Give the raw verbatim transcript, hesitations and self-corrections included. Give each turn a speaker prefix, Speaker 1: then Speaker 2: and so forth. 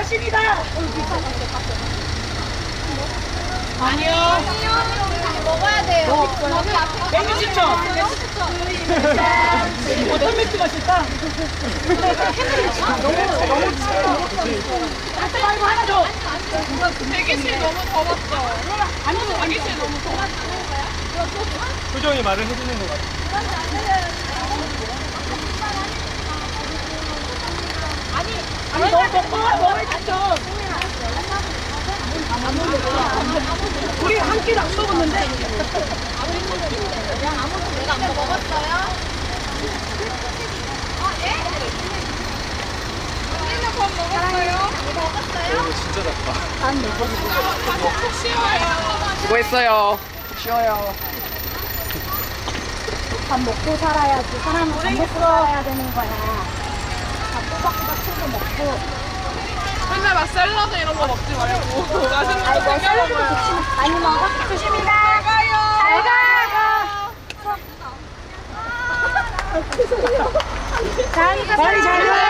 Speaker 1: 마십니다.
Speaker 2: 아니요.
Speaker 3: 먹어야 돼요.
Speaker 1: 맥주 추천. 어떤 맥주 마실까? 너무 너무 아까 말고 하나 더.
Speaker 2: 대기실 너무 더웠죠.
Speaker 1: 아니면
Speaker 2: 대기실 너무 더웠죠.
Speaker 4: 표정이 말을 해주는 것 같아.
Speaker 1: 아니 너무 덥고 먹을게요. 우리 한 끼도 안 먹었는데.
Speaker 3: 내가 안 먹었어요?
Speaker 2: 언니는 밥 먹었어요?
Speaker 3: 먹었어요?
Speaker 4: 진짜 작다.
Speaker 2: 푹 쉬어요.
Speaker 5: 수고했어요. 쉬어요.
Speaker 6: 밥 먹고 살아야지. 사람은 밥 먹고 살아야 되는 거야. 밥 꼬박꼬박 챙겨 먹고.
Speaker 2: 맨날 막 샐러드 이런 거 먹지 말고 맛있는 거
Speaker 6: 아이고,
Speaker 2: 챙겨
Speaker 6: 샐러드도
Speaker 2: 먹어요.
Speaker 6: 좋지만 많이 먹어. 조심히 가.
Speaker 2: 잘 가요.
Speaker 6: 잘 가. 자,
Speaker 1: 빨리 잘 가.